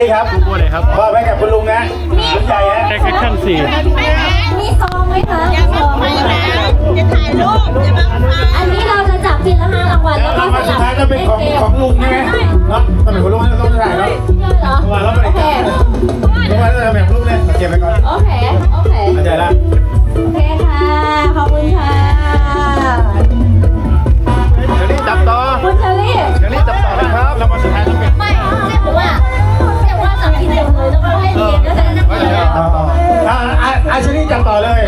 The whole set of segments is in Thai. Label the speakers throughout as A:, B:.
A: ครับพูดเลยครับว่าไปกับคุณลุงนะคุณใหญ่ฮะ
B: แอคชั่น4
C: มีซองไหมคะซองไหมคะ
D: จะถ่ายรูปจะบังคับ
C: อันนี้เราจะจับทีละ5 รางวัลแล้วก็
A: สุดท้ายก็เป็นของลุงใช่ไหมเนาะตำแหน่งของลุงต้องถ่ายเนาะ
C: เหรอโอเค
A: ลุงมาแล้วตำแหน่งลุงเนี่ยเก็บไปก่อน
C: โอเค
A: เข้าใจละ
C: โอเคค่ะขอบคุณค่ะ
A: เชอรี่จับต่อ
C: คุณเชอรี่
A: จับต่อนะครับแล้วมาสุดท้ายต้องเป็น
C: ไม่แต่ว่าจับทีเดียวเลยแล้วก็ให้เรียนแล้วจะนั่งเรียน
A: เชอรี่จับต่อเลย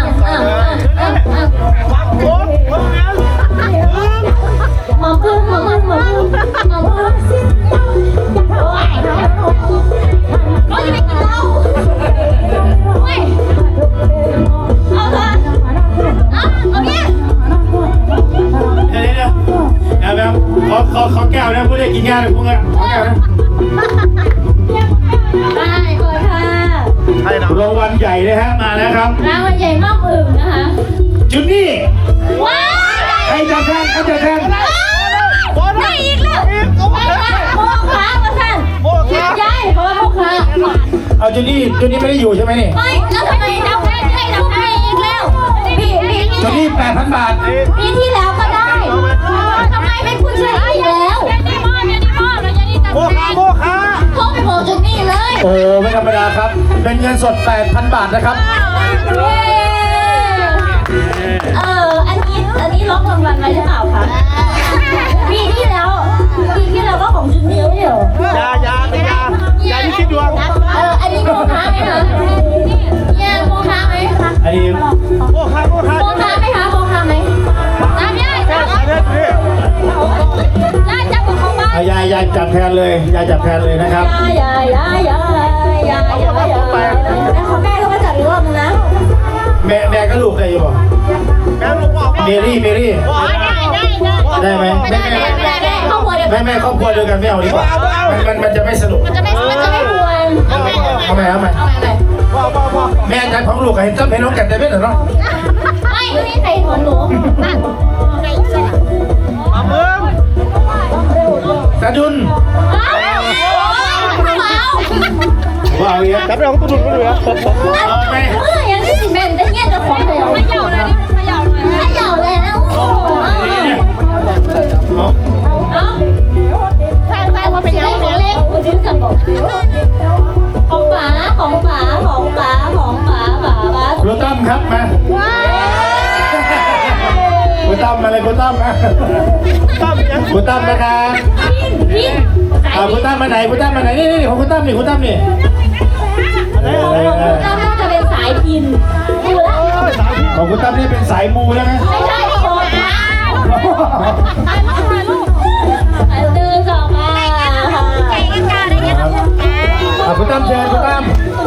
C: มาพึ่งโอ้ยจะไปกินเหล้าเว้ยเอาเถอะเอาเนี่ย
A: แบบเขาแก้วนะพูดได้กินง่ายเลยพวกนี้เขาแก้วนะ
C: ได้ก่อนค่ะ
A: รางวัลใหญ่เลยฮะมาแล้วครับ
C: รางวัลใหญ่มากอึ่งนะคะ
A: จุดนี้
C: ว้าว
A: ใครจะแทน
C: ได้อีกแล้วโมคะมาสั่นย้ายเพราะว่าโมคะ
A: เอาจุดนี้ไม่ได้อยู่ใช่ไหมนี่
C: ไม่แล้วทำไมเราให้เราให้อีกแล้ว
A: จุดนี้ 8,000 บาท
C: ปีที่แล้วก็ได้ทำไมเป็นคุณเชอรี่แล้ว
A: โมคะ
C: โทรไปบอกจุดนี้เลย
A: โอ้ไม่ธรรมดาครับเป็นเงินสด 8,000 บาทนะครับ
C: อันนี้ล็อกรางวัลไว้หรือเปล่าคะปีที่แล้วก็ของจุดนี้ไม่เหรอยา
A: ที่คิดดวง
C: อันนี้โมคะไหมคะเนี่ยโมคะไหม
A: อันนี้โมคะ
C: ไหมคะโมคะไหมน้ำย่าจับของบ้าน
A: ยายจับแทนเลยจับแทนเลยนะครับ
C: ยายของแม่ก็มาจับอีกรอบนึงนะ
A: แม่ก็ลูกได้อยู่ป่ะเมรี่ได้ไหมแม่ครอบครัวเดียวกันไม่เอาดีกว่ามันจะไม่สนุก
C: มันจะไม่ควร
A: เอาใหม่แม่จับของลูกเห็นน้องแก่แต่ไม่เหรอเนาะ
C: ไม่มีใครถอนหนู
A: ตาดุนว้าวเยอะจับได้ของตาดุนก็เลยครับ
C: ยังที่สิเป็นได้เงี้ยจะของเลยไม่เหยาเลยแล้วแฟนมาเป็นยังไงเล็กคุณชื่อกันบอกของป๋า
A: คุณตั้มครับมาคุณตั้มมาเลยคุณตั้มนะคุณตั้มนะครับคุณตั้มมาไหนนี่ของคุณตั้มนี่
C: ของคุณตั้มน่าจะเป็นสายพิน
A: ของคุณตั้มนี่เป็นสายมูแล้วนะ
C: ไม่ใช่โอ้ดื้อสองมา
A: คุณตั้มเชิญคุณตั้ม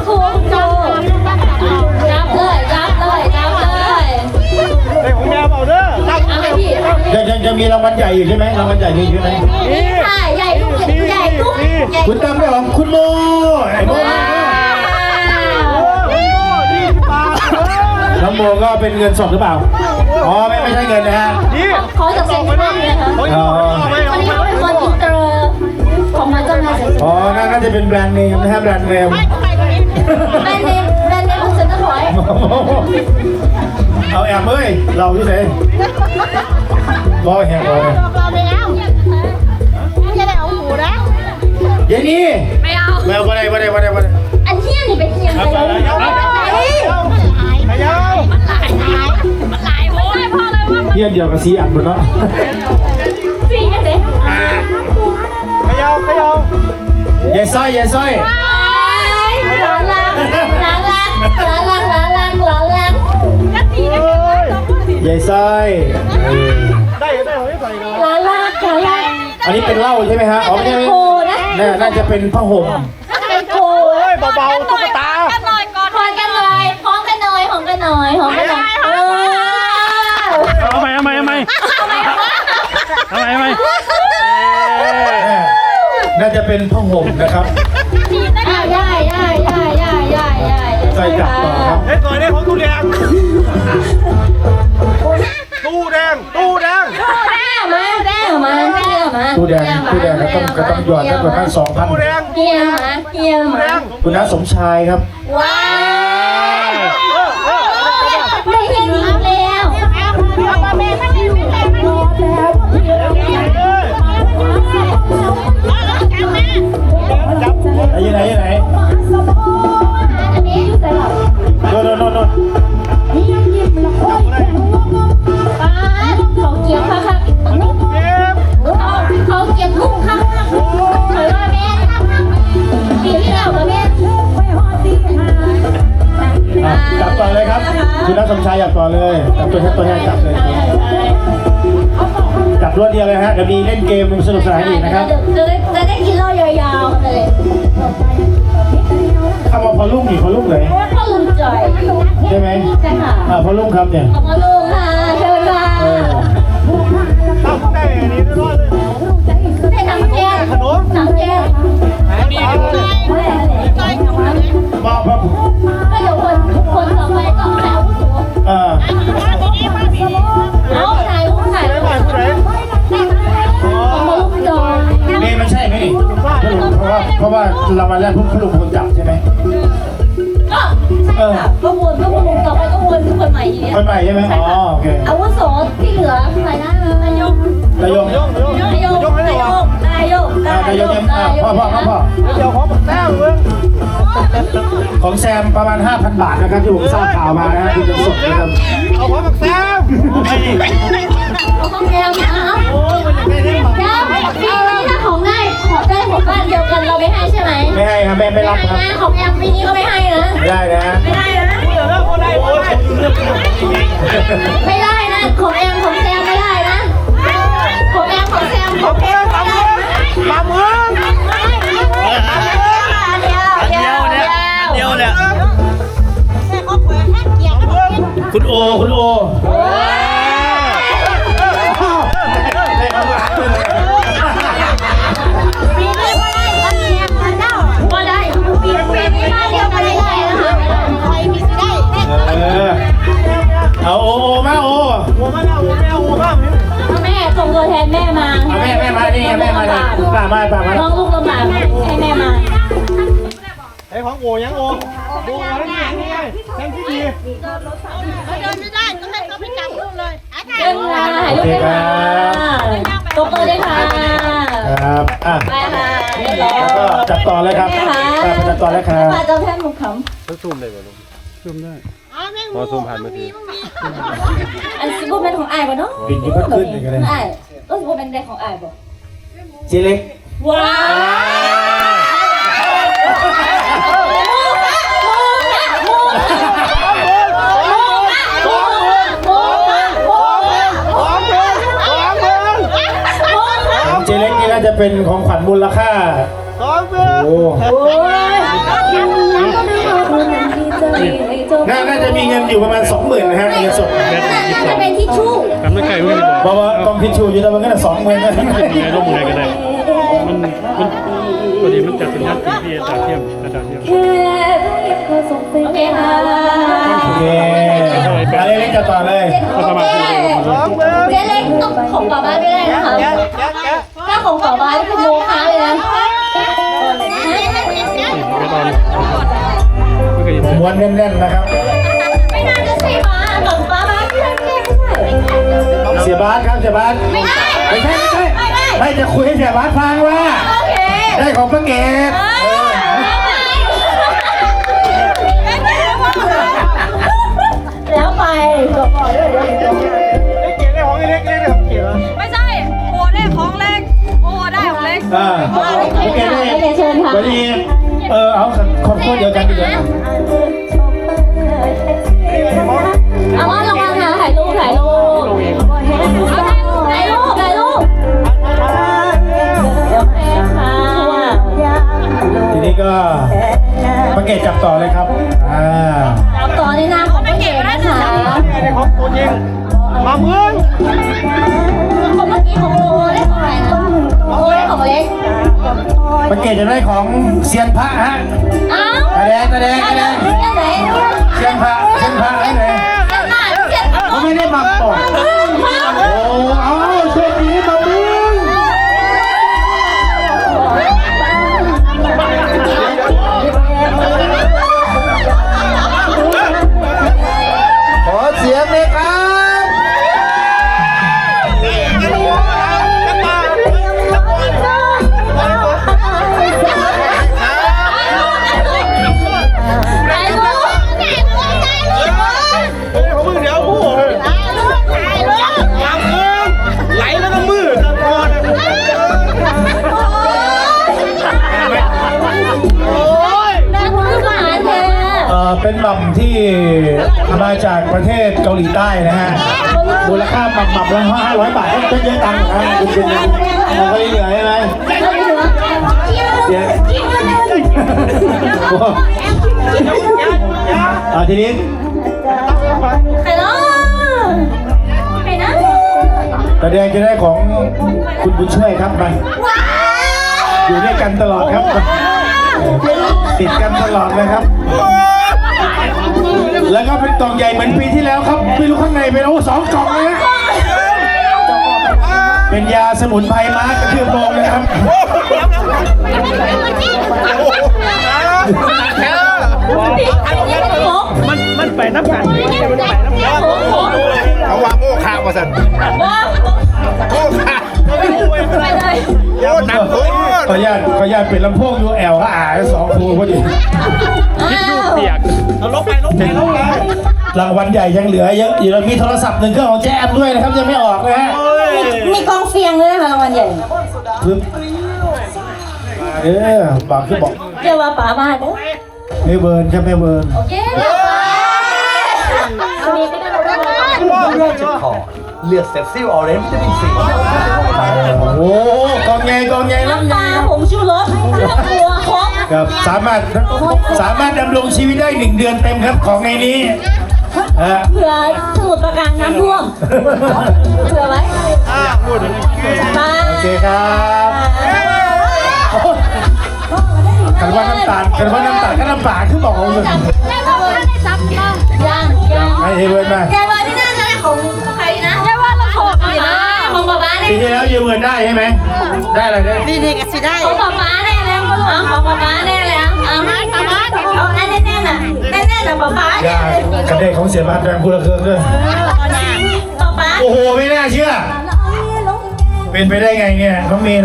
B: ได้ของแม่เปล่าเด้อ
A: ยังมีรางวัลใหญ่อยู่ใช่ไหมรางวัลใหญ่มีใช่ไหม
C: ใหญ่ทุก
A: คุณตั้มได้ของคุณโมไอ้โมน้องโมก็เป็นเงินสดหรือเปล่าอ๋อไม่ใช่เงินนะฮะ
C: ขอจากเซ็นทรัลนะคะคนนี้เขาเป็นคนอินเตอร์ของมาจากไหน
A: อ๋อน่าจะเป็นแบรนด์เนมนะครับแบรนด์เนม
C: ของเซ็นทรัลพอยต์
A: เอาแอบเอ้ยเราที่ไหนรอแหกเลยเย็นนี้ไม่เอาวันไหน
C: อันเที่ยงนี่เป็นเที่ยงไปเลย
A: เยี่ยมเดียวกับซีอัดหมดเนาะ
C: ซีอัดเลย
A: ขยาวเยสซ้อย
C: ล้าง
A: เยสซ้อย
B: ได้ของไม่ใส่เลย
C: ล้าง
A: อันนี้เป็นเหล้าใช่ไหมฮะอ๋อไม่ใช่น่าจะเป็นผ้าห่ม
C: โอ้
B: ยเบาๆตุ๊กตา
C: พร้อมกันหน่อย
B: เอาใหม่
A: น่าจะเป็นผ้าห่มนะครับใส่จับต่อครับ
B: เฮ้ยตัวนี้ของตู้แดง
C: มา
A: ตู้แดงก็ต้องหยอดได้ประมาณ 2,000
B: ผู้แดง
C: เฮียมาเฮียมา
A: คุณน้าสมชายครับ
C: ว้าวไม่เฮียหนีแล้ว
A: ไหน
C: อันนี้อยู่แต่หลับ
A: โน่น
C: ป้าเขาเกี่ยวค่ะ เขาเก็บกุ้งค่ะถอยว่าแม่ปีที่แล้วกับแม่
A: จับต่อเลยครับ คุณน้าสมชายจับต่อเลยจับตัวแทนจับเลย จับรวดเดียวเลยฮะเดี๋ยวมีเล่นเกมสนุกสนานอีกนะครับ
C: จะได้กินเหล้ายาวๆเลย
A: คำว่าพอลุ่มนี่พอลุ่มเลย
C: พ่อลุงจ่อย
A: ใช่ไหม
C: ใช่ค่ะ
A: พอลุ่มครับเนี่ย
C: ขอบคุณลุงค่ะเชิญค่ะ
B: ต้องได้อันนี้ด้วยเลย
C: ได้หนังแก้วหนังแก้ว
A: พ่อ
C: ก็เดี๋ยวคนต่อไปก็แถวสูงเอาถ่ายรูปถ่าย
B: ได้
C: รูป
B: ไหมผู้ใด
C: ของมาลุงจ่อย
A: นี่มันใช่ไหมนี่เพราะว่ารางวัลแรกพวกลุงคนจับใช่ไหม
C: ก็ใช่ค่ะก็วนต่อไปก็วนคนใหม่อีก
A: คนใหม่ใช่ไหมอ๋อโอเค
C: อาวุโสที่เหลือใครนะนายก
A: นายก พ่อ
B: เดี๋ยวขอปักแต้มเมือง
A: ของแซมประมาณ 5,000 บาทนะครับที่ผมทราบข่าวมานะฮะที่จะส่งนะครับ
B: เอาขอปักแต้ม
C: ของแก้วนะ
B: โอ้ยมันยังไม่ได้ปัก
C: แก้วปีนี้ถ้าของได้ของบ้านเดียวกันเราไม่ให้ใช่ไหม
A: ไม่ให้ครับแม่ไม่รับครับ
C: ของแอมปีนี้ก็ไม่ให้นะ
A: ไม่ได้นะ
C: ไม่ได้นะ
B: เดี๋ยวแล้วก็ได้โอ้ย
C: ไม่ได้นะของแอมของแซมไม่ได้นะของแอมของแซมของแอมไม่ได้นะ
B: มาเมือง
C: เดียว
A: ค
C: เนี่ย
A: ุณโอได้คำถามเลย
C: ปีนี้ก็ได้วันนี้ก็ได้ปีนี้บ้านเดียวกันไม่ได้นะคะใครมีสิได้
A: เอาโอมาโอ
B: โอ้มาแล้วโอ้แม่โอ้บ้าง
C: แม่ส่งตัวแทนแม่มา
A: เอาแม่มานี่แม่มาเลยป่ามา
C: น้องลูกลำบากให้แม่มา
B: ไอ้ของโอ้ยังโอ้โอ้แล้วนี่ไงแทงที่ดี
D: เดินไม่ได้ต้องให้เขาไปจับลูกเลย
C: เดินค่ะถ่ายรูปด้วยค่ะตบมือด้วยค่ะ
A: ครับอ่ะ
C: ไปค่ะเรียบร้อย
A: แล้วก็จับต่อเลยครับจับต่อแล้วครับ
C: มาเจ้าแพทย์หมุข
E: ต้องซูมได้ไหมลุงซูมได้
D: อ๋อแม่ง
E: พอซูมผ่านมือถือ
C: ำอันซิบูเป็นของอายป่ะเนาะ
A: บินที่ก็ขึ้นกันเลย
C: อายก็ซิบูเป็นเด็กของอายป่ะ
A: เจเล็ก
C: ว้าว
A: เจเล็กนี่น่าจะเป็นของขวัญมูลค่า
B: 2 เมือง
A: โอ้น่าจะมีเงินอยู่ประมาณ 20,000นะฮะเงินสด
C: น่าจะเป็นทิชชู่
E: กันไม่ไกลไม่ได้บอก
A: เพราะว่ากองพิชูอยู่แล้วมันก็จะ20,000นะ
E: ยังไงร่วมมือกันได้มันพอดีมันจัดเป็นนัดที่อาจารย์เทียมอาจารย์เทียม
C: โอเคค่ะ
A: โอเคอะไรเล็กจะต่อเลย
B: 2 เมือง
C: เจ๊เล็กต้องของป่าบ้านไม่ได้นะคะ
B: แกะ
C: ถ้าของป่าบ้านเป็นโมฆะเลยนะ
E: ก็ตอนไม่เคยยิน
A: ม้วนแน่นๆนะครับ
C: ไม่น่าจะใช่มาของป่าบ้านไม่ได้ไม่ได้
A: เสียบาสครับเสียบาส
C: ไม่ได้
A: ไม่ใช่ไม่จะคุยให้เสียบาสฟังว่า
C: โอเค
A: ได้ของป้าเกด
C: แล้วไปบอกด้วย
B: ไอ้เก๋ได้ของไอ้เล็กได้ของเก๋เหรอ
D: ไม่ใช่โอ้ได้ของเล็กโอ้ได้ของเล็ก
A: ป้าเกดได้
C: เชิญค่ะ
A: วันนี้เอาครอบครัวเดียวกันดีกว่า
C: เอาว่าลงมาค่ะถ่ายรูปถ่ายรูปถ่ายรูปถ่ายรูปเดี๋ยวแม่ค่ะ
A: ทีนี้ก็ป้าเกดจับต่อเลยครับ
C: จับต่อในนามของพี่เก๋นะคะ
B: ได้ของตัวจริงมาเมือง
C: คนเมื่อกี้ของโอได้ของไหนนะโอได้ของเล็ก
A: ป้าเกดจะได้ของเซียนพระฮะ
C: อ้าว
A: ตาแดง
C: เสียไหน
A: เซียนพระให้ไหน
C: เสียไหนเสีย
A: เขาไม่ได้บังต่อโอ้เอาโชคดีมาบึ้งเป็นหม่ำที่มาจากประเทศเกาหลีใต้นะฮะมูลค่าหม่ำละ500 บาทก็เยอะตังค์นะคุณเป็นเราก็เหลือใช่ไหมเดี๋ยวทีนี้
C: ใครเนาะใครนะ
A: ตาแดงจะได้ของคุณบุญช่วยครับมาอยู่ด้วยกันตลอดครับติดกันตลอดนะครับแล้วก็เป็นกล่องใหญ่เหมือนปีที่แล้วครับไม่รู้ข้างในเป็น2 กล่องเลยนะเป็นยาสมุนไพรม้ากระเทือบโรงนะครับ
E: มันไปน้ำกัน
B: เขาว่าโม่ข่าวมาสั่นโม่ข่าว
C: ไปเลย
B: โอ้หนักโคตร
A: ขออนุญาตเป็นลำโพง UL ก็2 คูพอดี
E: เปียก
B: เอาลบไป
A: รางวัลใหญ่ยังเหลือเยอะอยู่มีโทรศัพท์1 เครื่องของแจมด้วยนะครับยังไม่ออกนะฮะ
C: มีกองเฟียงด้วยนะคะรางวัลใหญ่
A: ปึ๊บบอกคือบอก
C: เรียกว่าป๋ามาเด้อ
A: ไม่เบิร์นครับไม่เบิร์น
C: โอเคมีไปด้วย
F: จะขอเลือดเซฟซิลออเรนจ์วิตามินซี
A: โอ้กองใหญ่แล้ว
C: น้ำปลาผงชูรสเครื่องครัวครบ
A: ครับสามารถดำรงชีวิตได้1 เดือนเต็มครับของในนี้
C: เผื่อสมุดประการน้ำท่วมเผื่อไว้ปลา
A: โอเคครับกันว่าน้ำตาลก็น้ำปลาคือบอกเอาเลย
C: ยัง
A: ให้เบิร์นมา
C: แกว่าที่น่าจะได้ของใครนะแกว่าเราของอะไรนะของป๊าป๊าเนี่ย
A: ปีที่แล้วยืมเงินได้ใช่ไหมได้อะไรได้
D: นี่ก็สิได้
C: ของป๊าป๊าแน่แล้วของป๊าป๊าแน่แล้วเอาแน่แน่น่ะแน่น่ะป๊าป๊า
A: อย่ากระเด็นของเสียบัตรแรงพูดเครื่องด้วย
C: ป๊าป๊า
A: โอ้โหไม่น่าเชื่อเป็นไปได้ไงเนี่ยน้องเมย์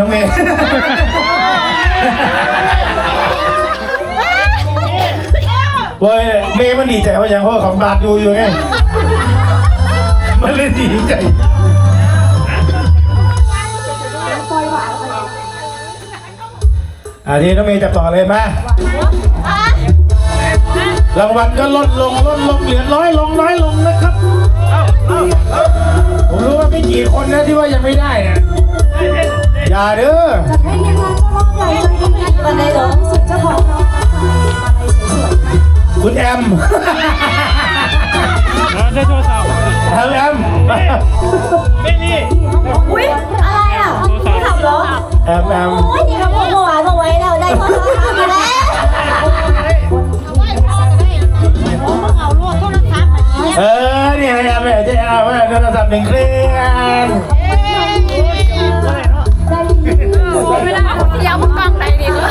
A: เว้ยเมย์มันดีใจว่าอย่างเพราะของบาทอยู่ไงมันเลยดีใจทีน้องเมย์จับต่อเลยมารางวัลก็ลดลงเหลือน้อยลงนะครับผมรู้ว่าไม่กี่คนนะที่ว่ายังไม่ได้นะอย่าเด้อ
C: วันไหนเหรอ
A: คุณแอม
E: ได้โทรศัพท์
A: แอม
E: ไม่นี่
C: อุ้ยอะไรอ่ะไม่ทำเหรอ
A: แอม
C: โอ้ยนี่เราบอกว่าเอาไว้แล้วได้โทรศัพท์มาแล้ว
A: เนี่ยแอมจะเอาโทรศัพท์1 เครื่อง
D: ไม่ได้ยาวกล้องไหนดีก็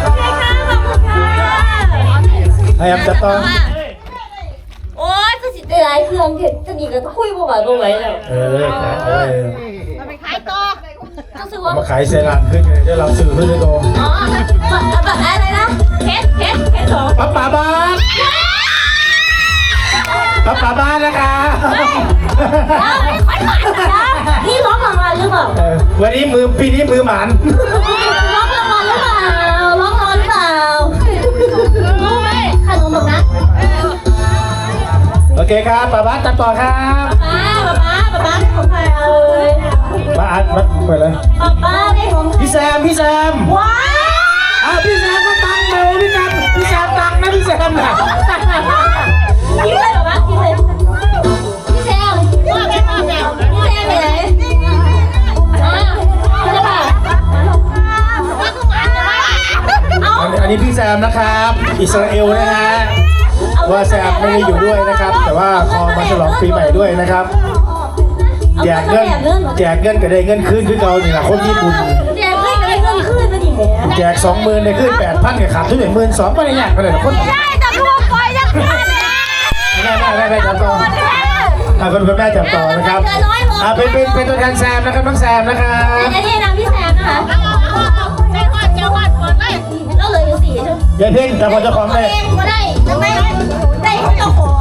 A: แอมจะต้อง
C: โอ้ยจะสิได้หลายเครื่องจะดีก็คุยบ่ว่าบ่ไหวแล้ว
D: มาไปขายต่อ
C: รู้สึกว่า
A: มาขายเซรั่มขึ้นเลยได้รับสื่อเพื่อนโต
C: อ๋อแบบอะไรนะเคสสอง
A: ป้าบ้านนะคะ
C: นี่ร้องรางวัลหรือเปล่า
A: วันนี้ปีนี้มือหมัน
C: ร้องรางวัลหรือเปล่าร้องรางวัลหรือเปล่ารู้ไหมขนมแบบนั้น
A: โอเคครับป้าบ้านจับต่อครับ
C: ป๊าของใครเอาเลย
A: มาอัดมาเปิดเลย
C: ป๊าได้ของ
A: พี่แซม
C: ว้าว
A: พี่แซมก็ตังเร็วพี่แซมตังนะพี่แซมนะ
C: พี่แซมเหรอวะพี่แซมว่าแม่มาแล้วพี่แซมไปไหนใช่ป่ะเอา
A: อันนี้พี่แซมนะครับอิสราเอลนะฮะว่าแซมไม่ได้อยู่ด้วยนะครับ แต่ว่าขอมาฉลองปีใหม่ด้วยนะครับแจกเงินก็ได้เงินคืนคือเก่านี่แหละคนญี่ปุ่น
C: แจกเงินก็ได้เงินคืนมาดิแม่
A: แจก20,000ได้ขึ้น8,000กับขาดทุน12,000ไม่ได้ยากไปเลยคน
D: ได้แต่รวมไปยังไง
A: ได้จับต่อคนแม่จับต่อนะครับเป็นตัวแทนแซมนะครับน้องแซมนะครับ
C: อันนี้นามพี่แซมนะคะ
D: ได้วาดจะวาดก่อนได้
C: ก็เลยอยู่4ใช่ไหม
A: อย่าเพ่งแต่คนเจ้าของเลย
C: เองก็ได้ทำไมได้ของเจ้าของ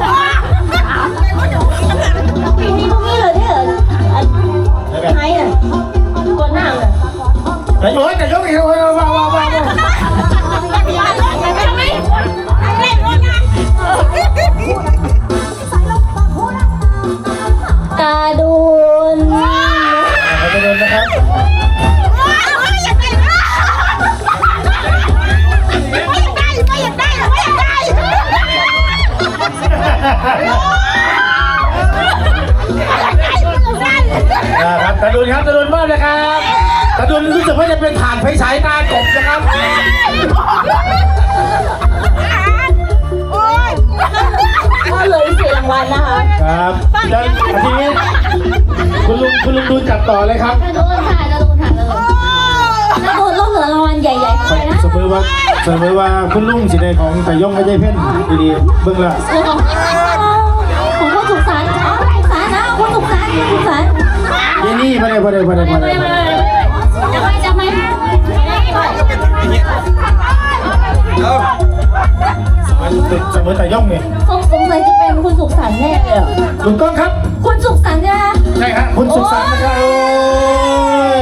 C: มีพวกนี้เลยเนี่ยไอ้น่ะก่อนหน้าเลย
A: แต่โอ้ยแต่ยกอีกว้าว
C: ไม่
A: ให้สายตากบนะครับ
C: ก็เลย4รางวัลนะคะ
A: ครับแล้วทีนี้คุณลุงดูจับต่อเลยครับ
C: จะโดนค่ะจะโดนค่ะจะโดนต้องเหลือรางวัลใหญ่ๆไปนะ
A: สมมติว่าคุณลุงสิได้ของแต่ย่องไม่ใช่เพ่นดีๆเบิ่งละ
C: ของคนสุขสันต์สุขสันต์นะคนสุขสันต์สุขสันต์
A: ยี่นี่ไม่ได้
C: จะไม่
A: สมมติแต่ย่องเนี่ย
C: สงสัยจะเป็นคุณสุขสันต์แน่เลย
A: ถูกต้องครับ
C: คุณสุขสันต์เนี่ย
A: ใช่ครับคุณสุขสันต์นะครับโอ้ย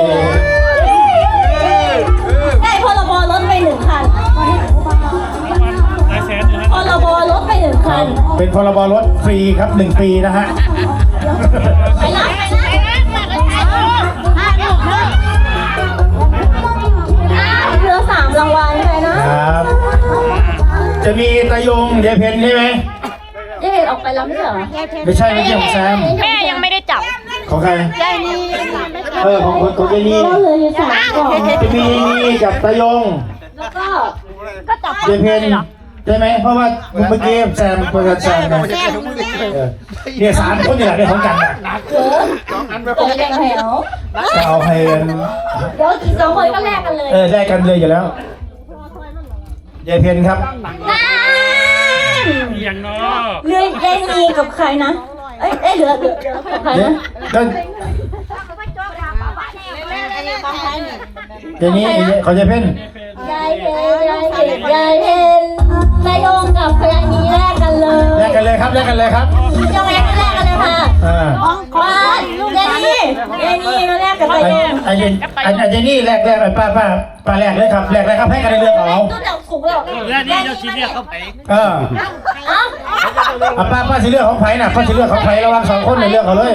C: ได้พรบรถไป1 คัน
E: หลายแสนอยู่นะ
C: พรบรถไป1 คัน
A: เป็นพรบรถฟรีครับ1 ปีนะฮะ
C: ไปนะเหลือ3 รางวัลเลยนะครับ
A: จะมีตายงเดเพนใช่ไหม
C: เจ๊ออกไปแล้วไม่ใช่เหรอ
A: ไม่ใช่ไม่ใช่ของแซม
D: แม่ยังไม่ได้จับ
A: ของใคร
D: ยายนี่
A: ของเจนี่
C: ก็เหลืออยู่3 กล่อง
A: จะมีนี่กับตายง
C: แล้วก็
D: ก็จับ
A: เดเพนใช่ไหมเพราะว่าเมื่อกี้แซมเปิดแซมนะเนี่ย3 คนนี่แหละได้ของกันนะ
C: เกิดแข่งแถว
A: จะเอาให้
C: เดี๋ยวอีก2 คนก็แลกกันเลย
A: ได้กันเลยอยู่แล้วเดเพนครับ
C: นั่น
E: อย่างน้อ
C: เหลือยายนีกับใครนะเหลือกับใครนะ
A: ก็เจนี่เขาจะเพ่น
C: ยายเห็นนายโยงกับยายนีแลกกันเลย
A: แลกกันเลยครับแลกกันเลยครับ
C: ยังแลกกันเลยค่ะ ป้ายายนีมาแลกกับนายโยง
A: ไอ้เจนี่แลกไอ้ป้าแลกเลยครับแลกเลยครับให้กันในเรื่องเอา
C: ตู้จับถุงแล้ว
E: แล้วนี่เราชี้เรียกเขาไป
C: อ้าว
A: ป้าสิเลือกของไผ่น่ะป้าสิเลือกของไผ่ระหว่าง2 คนในเลือกเอาเลย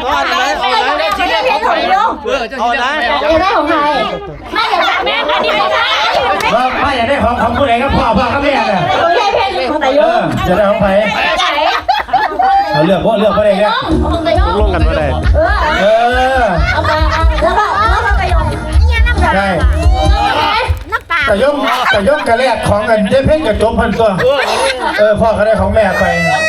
B: เอาไหน
C: อยากได้ของใครไม่อยากได้แม่อันนี้ไม่ได้
A: ว่าป้าอยากได้ของผู้ใดก็พ่อกับแม่น่ะ
C: ของยายเพนของนายโยง
A: จะได้ของไผ่เอาเลือกบ่ได้เนี่ย
C: ของนายโยง
B: ลงกันมาได้
C: เอามาแล้วก็นายโยง
A: ใช่แต่ย่อมกระแลกของกันเจ๊เพ่งกับโจมพันตัวพ่อเขาได้ของแม่ไป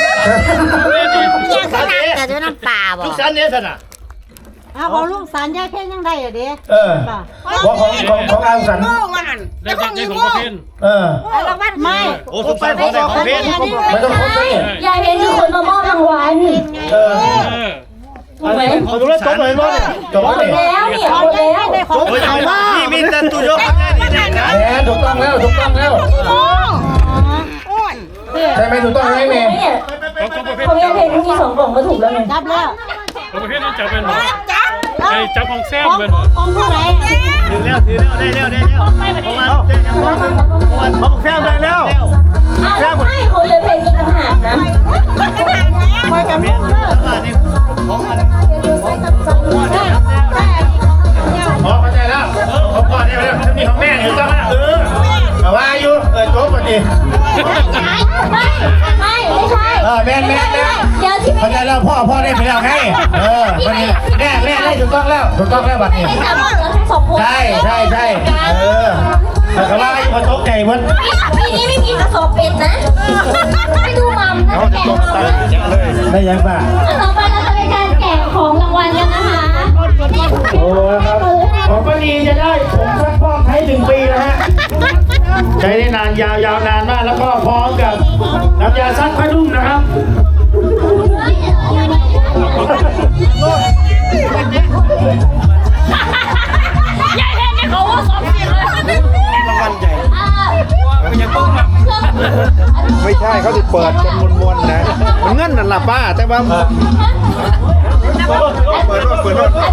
D: ยังขนาดแต่ด้วยน้ำปลาบ่
B: ลูกสันเนี่ยสนะ
D: เอาลูกสารยายเพ่งยังได้อยู่ดิ
A: ว่าของอาสัน
E: ได้ของประเภท
D: ไม่
B: โอ้สุขสันต์ของแต่ของเพชร
A: ไม่ต้องครบเลย
C: ยายเพนคือคนมามอบรางวัลถูกไหม
B: เขาดูแลจบเลยมั้ง
A: จบ
C: หม
A: แล้ว
C: ด
A: นี่
C: แล้วเนี่ยหมดแล้ว
B: จบเลยนี่มีแต่ตุยกนี่ได้นะ
A: แหมถูกต้องแล้วใช่ไหมถูกต้องไหมเมย์
C: เนี่ย
E: ของประเภท
C: ของยายเพนมี2 กล่องก็ถูกแล้วไง
D: จับแล้ว
E: ของประเภทนั้นจับเป็นหรอไอ้จับของแซมเป็น
D: ของผู้ใด
B: ถือแล้วได้แล้วเขาบอกแซมได้แล้ว
C: อ้าวไม่ของยายเพนมีต่างหากนะ
D: คอยกัน
A: เข้าใจแล้วของพ่อได้แล้วนี่ของแม่อยู่ต้องแล้วแต่ว่าอยู่จบพอดี
C: ไม่ใช่
A: แม่
C: เดี๋ยวที่ไม่
A: เข้าใจแล้วพ่อได้ไปแล้วไงวันนี้แม่ได้ถูกต้องแล้วบัดนี้
C: ไม่จับเหลือทั้ง2 คน
A: ใช่แต่ว่าอยู่กับโต๊ะไก่มัน
C: ปีนี้ไม่มีกระสอบเป็ดนะไปดูมัมนะแกะ
A: ได้ยังป่ะ
C: ต่อไปเราจะเป็นการแจกของรางวัลกันนะคะ
A: โอ้ครับของป้านีจะได้ผมซักฟอกใช้1 ปีนะฮะใช้ได้นานยาวนานมากแล้วก็พร้อมกับน้ำยาซักผ้านุ่มนะครับ
D: ยายเพ่งนี่เขาว่า2 ปีเลย
B: รางวัลใหญ่ไม่ใช่เขาจะเปิดกันมวนๆนะมันเงินนั่นล่ะป้าแต่ว่าเปิดรถ